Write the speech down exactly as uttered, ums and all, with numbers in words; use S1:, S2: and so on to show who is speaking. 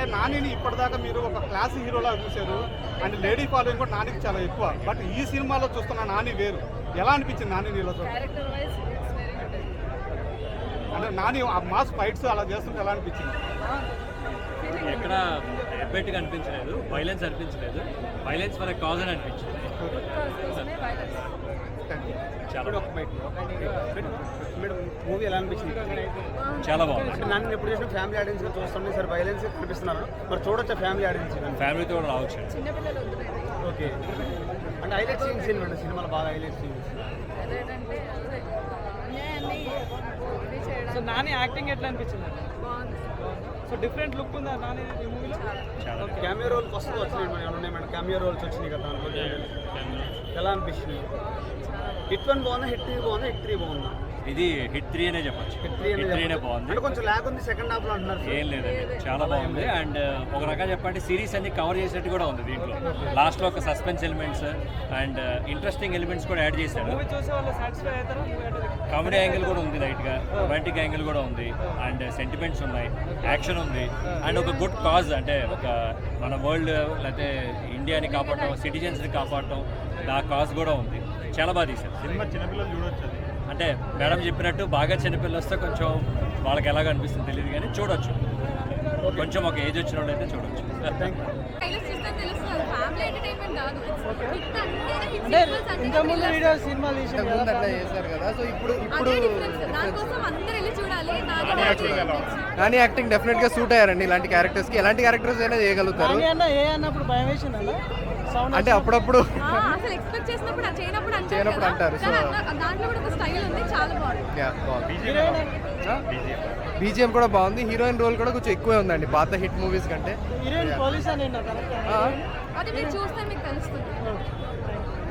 S1: నానిని ఇప్పటిదాకా మీరు ఒక క్లాస్ హీరోలా చూశారు అండ్ లేడీ ఫాలోయింగ్ కూడా నానికి చాలా ఎక్కువ. బట్ ఈ సినిమాలో చూస్తున్న నాని వేరు. ఎలా అనిపించింది నాని నీలో చూస్తే?
S2: Character wise it's very good.
S1: అంటే నాని ఆ మాస్ ఫైట్స్ అలా చేస్తుంటే ఎలా అనిపించింది?
S3: ఎక్కడ ఎబ్బెట్గా అనిపించలేదు, వైలెన్స్ అనిపించలేదు. వైలెన్స్ మన కాజ్ అని అనిపించింది. చాలా
S4: మూవీ ఎలా అనిపించింది?
S3: చాలా బాగుంది.
S4: అంటే నన్ను ఎప్పుడు చేసిన ఫ్యామిలీ ఆడియన్స్ గా చూస్తుంటే సార్ వైలెన్స్ కనిపిస్తున్నారు. మరి చూడొచ్చా ఫ్యామిలీ ఆడియన్స్?
S3: ఫ్యామిలీతో కూడా రావచ్చు.
S2: చిన్నపిల్లలు వద్దు.
S4: ఓకే. అంటే హైలైట్ సీన్స్ ఏంటంటే సినిమాలో బాగా హైలైట్ సీన్స్
S2: అదేంటంటే అదే అన్యాయాన్ని ఇది చేయడం.
S5: సో నాని యాక్టింగ్ ఎట్లా అనిపించింది?
S2: బాగుంది.
S5: సో డిఫరెంట్ లుక్ ఉందా నాని ఈ మూవీలో?
S3: చాలా
S4: కెమియో రోల్స్ వస్తూ వచ్చినాయి మేడం, ఉన్నాయి మేడం కెమియో రోల్స్ వచ్చినాయి కదా దాంట్లో. ఎలా అనిపిస్తుంది? హిట్ వన్ బాగుందా, హిట్ త్రీ బాగుందా, హిట్ త్రీ బాగుందా?
S3: ఇది హిట్ త్రీ అనే చెప్పొచ్చు.
S4: హిట్ త్రీ
S3: హిట్ త్రీనే బాగుంది.
S4: అంటే కొంచెం ల్యాగ్ ఉంది సెకండ్ హాఫ్ లో అంటున్నారు.
S3: ఏం లేదండి, చాలా బాగుంది. అండ్ ఒక రకంగా చెప్పండి సిరీస్ అన్ని కవర్ చేసినట్టు కూడా ఉంది దీంట్లో. లాస్ట్లో ఒక suspense elements and interesting elements కూడా యాడ్ చేశారు.
S5: మూవీ చూసే వాళ్ళు సాటిస్ఫై అవుతారా?
S3: కామెడీ యాంగిల్ కూడా ఉంది, లైట్గా రొమాంటిక్ యాంగిల్ కూడా ఉంది, అండ్ సెంటిమెంట్స్ ఉన్నాయి, యాక్షన్ ఉంది, అండ్ ఒక గుడ్ కాజ్ అంటే ఒక మన వరల్డ్ లేకపోతే ఇండియాని కాపాడటం, సిటిజన్స్ని కాపాడటం, ఆ కాజ్ కూడా ఉంది. చాలా బాగా తీశారు
S1: సినిమా. చిన్నపిల్లలు చూడొచ్చు.
S3: అంటే మేడం చెప్పినట్టు బాగా చిన్నపిల్లలు వస్తే కొంచెం వాళ్ళకి ఎలాగ అనిపిస్తుంది తెలియదు, కానీ చూడొచ్చు. కొంచెం ఒక ఏజ్ వచ్చిన వాళ్ళు అయితే చూడొచ్చు.
S5: అంటే ఇంతకుముందు వీడియో సినిమా తీసాం
S6: చేశారు కదా, సో ఇప్పుడు ఇప్పుడు నాని యాక్టింగ్ డెఫినెట్ గా సూట్ అయ్యారండి. ఇలాంటి క్యారెక్టర్స్ కి ఎలాంటి క్యారెక్టర్స్ అయినా చేయగలుగుతారు.
S5: నాని అన్న ఏ అన్నప్పుడు భయం వేసింది అన్న సౌండ్
S6: అంటే అప్పుడప్పుడు
S2: అసలు ఎక్స్పెక్ట్ చేసినప్పుడు చేయనప్పుడు
S6: చేయనప్పుడు అంటారు. సో
S2: దాంట్లో కూడా ఒక స్టైల్ ఉంది, చాలా బాగుంది.
S6: బీజిఎం కూడా బాగుంది. హీరోయిన్ రోల్ కూడా కొంచెం ఎక్కువే ఉందండి పాత హిట్ మూవీస్ కంటే.
S5: హీరోయిన్ పోలీస్ అని
S2: అది మీరు చూస్తే మీకు తెలుస్తుంది.